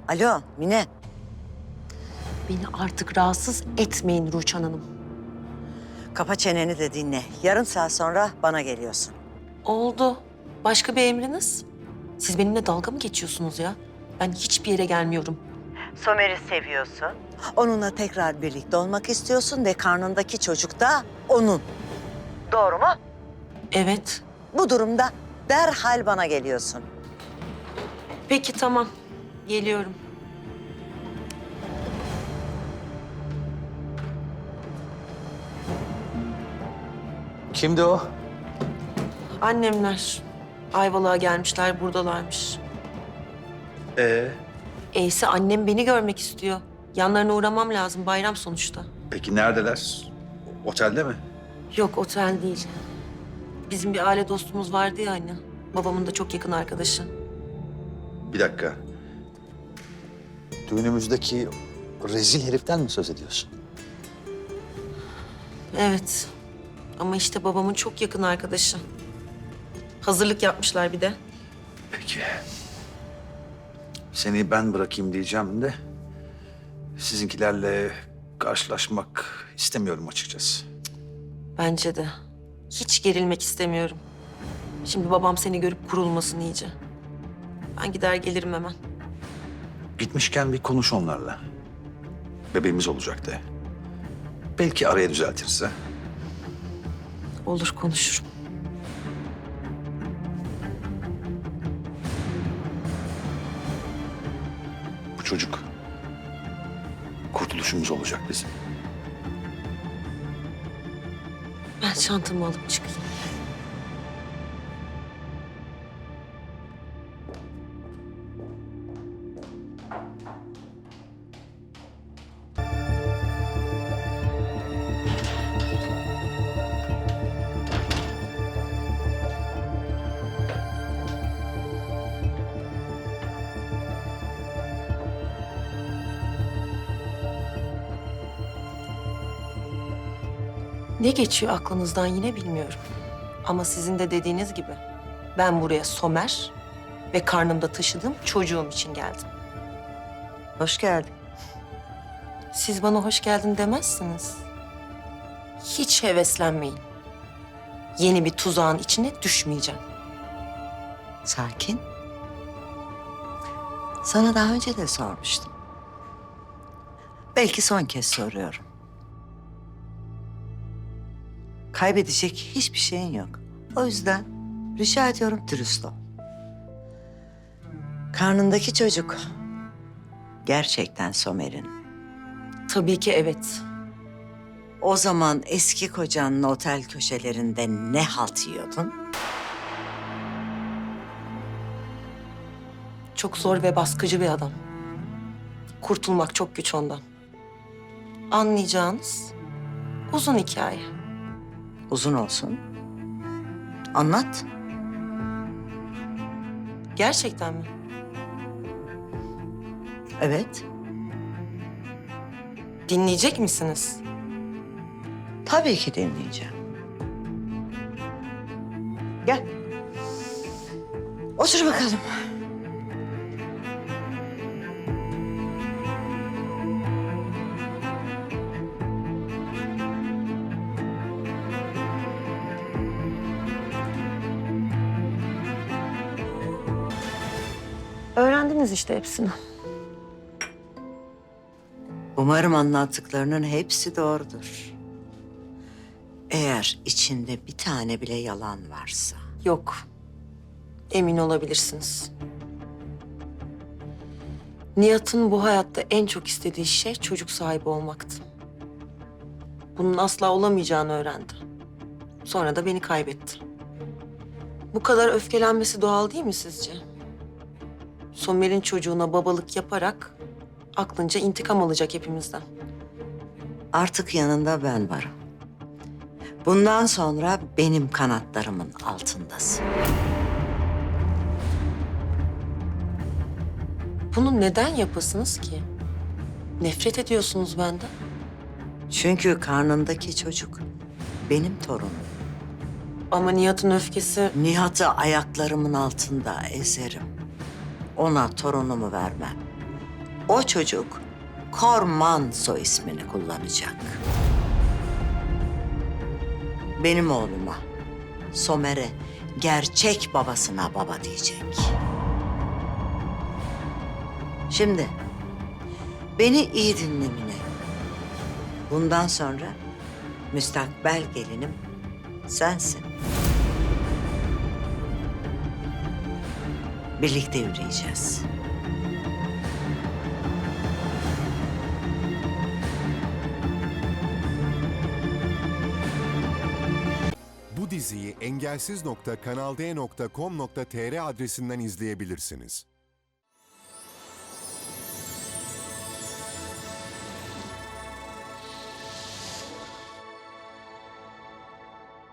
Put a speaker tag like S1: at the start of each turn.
S1: Alo Mine.
S2: Beni artık rahatsız etmeyin Rüçhan Hanım.
S1: Kapa çeneni de dinle. Yarım saat sonra bana geliyorsun.
S2: Oldu. Başka bir emriniz? Siz benimle dalga mı geçiyorsunuz ya? Ben hiçbir yere gelmiyorum.
S1: Somer'i seviyorsun. Onunla tekrar birlikte olmak istiyorsun ve karnındaki çocuk da onun. Doğru mu?
S2: Evet.
S1: Bu durumda derhal bana geliyorsun.
S2: Peki tamam. Geliyorum.
S3: Kimdi o?
S2: Annemler Ayvalık'a gelmişler, buradalarmış. Eyse annem beni görmek istiyor. Yanlarına uğramam lazım, bayram sonuçta.
S3: Peki neredeler? Otelde mi?
S2: Yok, otel değil. Bizim bir aile dostumuz vardı ya anne. Babamın da çok yakın arkadaşı.
S3: Bir dakika. Düğünümüzdeki rezil heriften mi söz ediyorsun?
S2: Evet. Ama işte babamın çok yakın arkadaşı. Hazırlık yapmışlar bir de.
S3: Peki. Seni ben bırakayım diyeceğim de... ...sizinkilerle karşılaşmak istemiyorum açıkçası.
S2: Bence de. Hiç gerilmek istemiyorum. Şimdi babam seni görüp kurulmasın iyice. Ben gider gelirim hemen.
S3: Gitmişken bir konuş onlarla. Bebeğimiz olacak de. Belki araya düzeltirse.
S2: Olur, konuşurum.
S3: Bu çocuk kurtuluşumuz olacak bizim.
S2: Ben çantamı alıp çıkayım. Ne geçiyor aklınızdan yine bilmiyorum. Ama sizin de dediğiniz gibi ben buraya Somer ve karnımda taşıdığım çocuğum için geldim.
S1: Hoş geldin.
S2: Siz bana hoş geldin demezsiniz. Hiç heveslenmeyin. Yeni bir tuzağın içine düşmeyeceğim.
S1: Sakin. Sana daha önce de sormuştum. Belki son kez soruyorum. Kaybedecek hiçbir şeyin yok. O yüzden rica ediyorum dürüst ol. Karnındaki çocuk gerçekten Somer'in.
S2: Tabii ki evet.
S1: O zaman eski kocanın otel köşelerinde ne halt yiyordun?
S2: Çok zor ve baskıcı bir adam. Kurtulmak çok güç ondan. Anlayacağınız uzun hikaye.
S1: Uzun olsun. Anlat.
S2: Gerçekten mi?
S1: Evet.
S2: Dinleyecek misiniz?
S1: Tabii ki dinleyeceğim. Gel. Otur bakalım.
S2: Öğrendiniz işte hepsini.
S1: Umarım anlattıklarının hepsi doğrudur. Eğer içinde bir tane bile yalan varsa.
S2: Yok. Emin olabilirsiniz. Nihat'ın bu hayatta en çok istediği şey çocuk sahibi olmaktı. Bunun asla olamayacağını öğrendi. Sonra da beni kaybetti. Bu kadar öfkelenmesi doğal değil mi sizce? Somer'in çocuğuna babalık yaparak aklınca intikam alacak hepimizden.
S1: Artık yanında ben varım. Bundan sonra benim kanatlarımın altındasın.
S2: Bunu neden yapasınız ki? Nefret ediyorsunuz benden.
S1: Çünkü karnındaki çocuk benim torunum.
S2: Ama Nihat'ın öfkesi...
S1: Nihat'ı ayaklarımın altında ezerim. Ona torunumu vermem. O çocuk Korman soy ismini kullanacak. Benim oğluma, Somer'e, gerçek babasına baba diyecek. Şimdi beni iyi dinle Mine. Bundan sonra müstakbel gelinim sensin. Birlikte yürüyeceğiz.
S4: Bu diziyi engelsiz.kanalde.com.tr adresinden izleyebilirsiniz.